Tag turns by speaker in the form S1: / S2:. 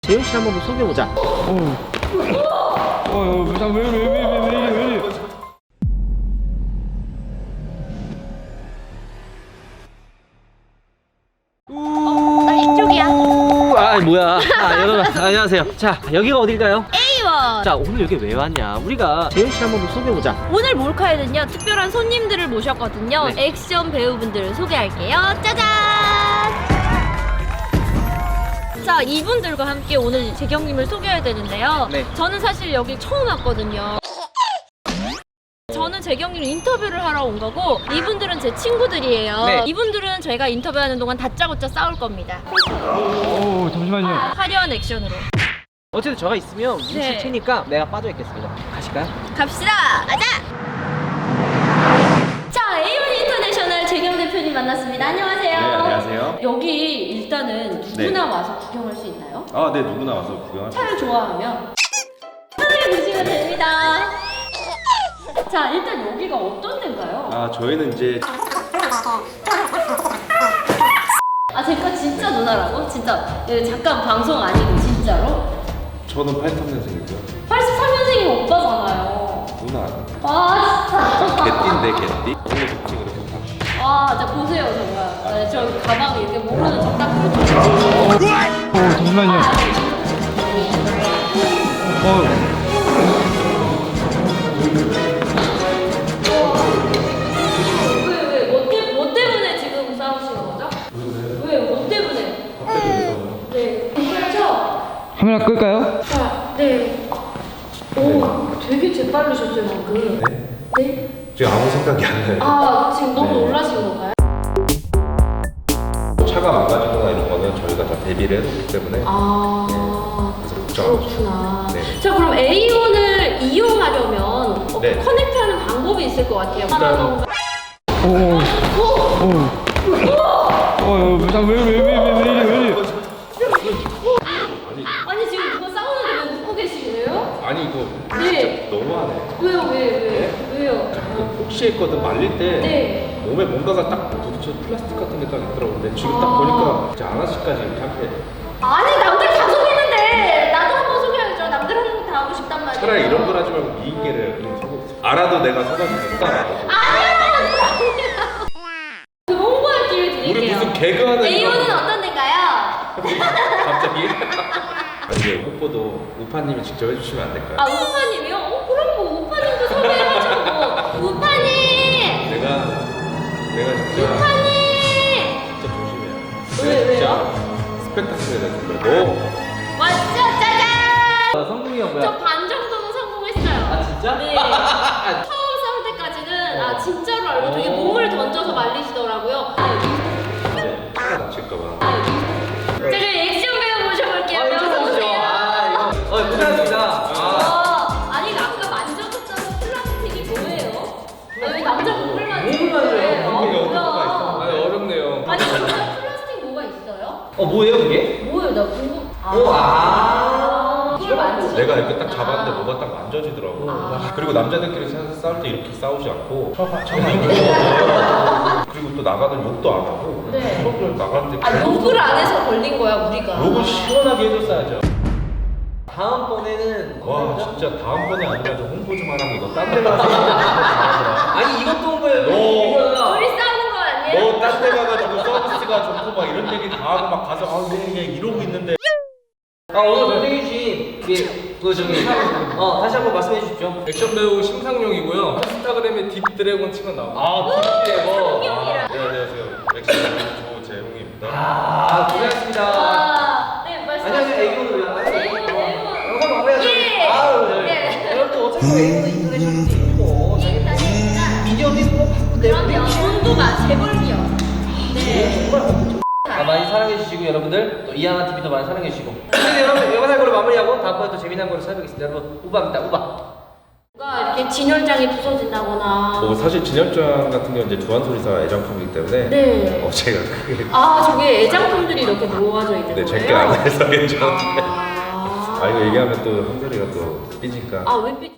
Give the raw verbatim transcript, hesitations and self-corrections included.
S1: 재용 씨 한번 소개해보자.
S2: 어, 어, 왜, 왜, 왜, 왜, 왜, 왜, 왜, 왜.
S3: 나 이쪽이야.
S1: 아 뭐야. 아 여러분 안녕하세요. 자 여기가 어딜까요?
S3: 에이원.
S1: 자 오늘 여기 왜 왔냐. 우리가 재용 씨 한번 소개해보자.
S3: 오늘 몰카에는요 특별한 손님들을 모셨거든요.
S1: 네.
S3: 액션 배우분들을 소개할게요. 짜잔. 자 이분들과 함께 오늘 재경님을 소개해야 되는데요.
S1: 네.
S3: 저는 사실 여기 처음 왔거든요. 저는 재경님 인터뷰를 하러 온 거고 이분들은 제 친구들이에요.
S1: 네.
S3: 이분들은 저희가 인터뷰하는 동안 다짜고짜 싸울 겁니다.
S2: 오, 잠시만요.
S3: 화려한 액션으로
S1: 어쨌든 저가 있으면 무실
S3: 네.
S1: 테니까 내가 빠져있겠습니다. 가실까요?
S3: 갑시다. 가자. 자 에이원 인터내셔널 재경 대표님 만났습니다. 안녕하세요.
S4: 네, 안녕하세요.
S3: 여기 일단은 누구나 와서 구경할 수 있나요?
S4: 아, 네, 누구나 와서 구경할 수
S3: 차를 좋아하면 편하게 보시면 됩니다. 자 일단 여기가 어떤 데인가요?
S4: 아, 저희는 이제
S3: 아 제가 진짜 누나라고? 진짜 예, 잠깐 방송 아니고 진짜로?
S4: 저는 팔십삼 년생이고요.
S3: 팔십삼 년생이 오빠잖아요.
S4: 누나.
S3: 아 진짜.
S4: 개띠인데, 개띠? 오늘 좋지, 그렇게 딱.
S3: 아 진짜 보세요 정말. 네, 저 가방에 이렇게 모르는 척 딱 풀고.
S2: 오, 잠시만요. 어,
S3: 왜왜 뭐, 때, 뭐 때문에 지금 싸우시는 거죠? 왜? 뭐 때문에? 네. 괜찮죠?
S2: 카메라 끌까요?
S3: 자, 네. 오, 되게 재빠르셨어요 방금.
S4: 네?
S3: 네?
S4: 지금 아무 생각이 안 나요.
S3: 아 지금 너무
S4: 네.
S3: 놀라신 건가요?
S4: 차가 망가지거나 이런 거는 저희가 다 대비를 해뒀기 때문에.
S3: 아
S4: 그래서 걱정 안 하셔도
S3: 그렇구나.
S4: 네.
S3: 자 그럼 에이원을 이용하려면 어,
S4: 네.
S3: 커넥트하는 방법이 있을 것 같아요.
S4: 일단은-
S2: 오, 오, 오. 어, 왜, 왜, 왜, 왜, 왜, 왜, 이래, 왜 이래.
S4: 아니,
S3: 아니 지금 누가 싸우는데 왜 웃고 계시래요?
S4: 아니, 이거
S3: 네.
S4: 진짜 너무하네.
S3: 왜요 왜 왜? 왜요?
S4: 그 혹시 했거든, 말릴 때.
S3: 네.
S4: 몸에 뭔가가 딱 부딪혀 플라스틱 같은 게 딱 있더라고. 근데 지금 딱
S3: 아.
S4: 보니까 이제 아나씨까지 이렇게 한게
S3: 아니 남들 다 속이는데 나도 한번 속여야죠. 남들 하는 거 다 하고 싶단 말이에요.
S4: 차라리 이런 걸 하지 말고 미인계를 그냥 속어. 알아도 내가 속아주니까.
S3: 아니야 아니야. 그 홍보할 기회 드릴게요.
S4: 우리 무슨 개그하는
S3: 에이원은
S4: 이런-
S3: 어떤 데인가요?
S4: 갑자기? 아니 이게 홍보도 우파님이 직접 해주시면 안 될까요?
S3: 아 우파님이요? 어 그럼 뭐 우파님도 섭외해가지고 뭐. 우파님!
S4: 내가 내가 진짜
S3: 우파님!
S4: 진짜 조심해요.
S3: 왜,
S4: 내가 진짜
S3: 왜요?
S4: 스펙타클을 해줄 거야. 너
S3: 왔죠 짜잔!
S1: 아, 성공이야 뭐야?
S3: 저 반 정도는 성공했어요.
S1: 아 진짜?
S3: 네. 처음 싸울 때까지는 아 진짜로 알고 되게 몸을 던져서 말리시더라고요.
S4: 이제 차가 다칠까봐.
S3: 자 그럼 액션 배우 모셔볼게요.
S1: 아,
S3: 어서
S1: 인터뷰죠.
S3: 오세요.
S1: 아 이거. 어 고생하셨습니다. 아.
S3: 아, 아니 아까 만져줬다는 플라스틱이 뭐예요? 아, 왜 남자 몸을 만지는
S1: 몸을 만져요?
S3: 거예요? 아,
S4: 이게
S3: 뭐야?
S4: 아니 어렵네요.
S3: 아니 진짜 플라스틱 뭐가 있어요?
S1: 어 뭐예요 그게?
S3: 뭐예요? 나 궁금.
S1: 오, 아.
S3: 그걸 만지셨
S4: 내가 이렇게 딱 잡았는데 뭐가 딱 만져지더라고.
S3: 아.
S4: 그리고 남자들끼리 사- 싸울 때 이렇게 싸우지 않고 쳐봐 쳐봐. 그리고 또 나가는 욕도 안 하고
S3: 네.
S4: 수업을 나갈 때
S3: 아 욕을 안 해서 걸린 거야 우리가.
S4: 욕을 시원하게 해줬어야죠.
S1: 다음번에는
S4: 와 진짜 다음번에 아니라 좀 홍보 좀 하라고 이거 딴 데 가서 잘하더라.
S1: 아니 이것도 홍보해요.
S4: 너-
S1: 이거야.
S3: 둘이 싸우는 거 아니에요?
S4: 너 딴 데 가가지고 서비스가 좋고 막 이런 얘기 다 하고 막 가서 아 네, 네, 이러고 있는데
S1: 아 오늘 고생해주신 그, 그 저기 어 다시 한번 말씀해 주십시오.
S5: 액션 배우 심상용이고요. 인스타그램에 딥드래곤 치면 나와요.
S1: 아 딥드래곤.
S4: 네, 안녕하세요 액션 조재홍입니다.
S1: 아 고생하셨습니다.
S3: 아, 네 말씀하세요.
S1: 안녕하세요 에이곤으로요.
S3: 에이곤, 에이곤.
S1: 영상 마무리하죠.
S3: 예.
S1: 아유
S3: 네.
S1: 네. 여러분 어차피 에이곤은 인터내셔널도 있고
S3: 일단은
S1: 미디어도 있고 바쁜데
S3: 그럼요. 온도가 재벌기요. 네.
S1: 정말 엄청 아, 많이 사랑해 주시고 여러분들 또 이하나 티비도 많이 사랑해 주시고 근데 여러분 영상 걸로 마무리하고 다음번에 또 재미난 거로 찾아뵙겠습니다. 여러분 우바입니다 우바.
S3: 뭔가 이렇게 진열장이 부서진다거나.
S4: 뭐 사실 진열장 같은 경우는 이제 주한소리사 애장품이기 때문에
S3: 네.
S4: 어 제가 크게
S3: 아 저게 애장품들이 이렇게 모아져 있는
S4: 네
S3: 거예요?
S4: 제게 안 해서 괜찮은데
S3: 아,
S4: 아 이거 얘기하면 또 한솔이가 또 삐지니까
S3: 아왜 삐?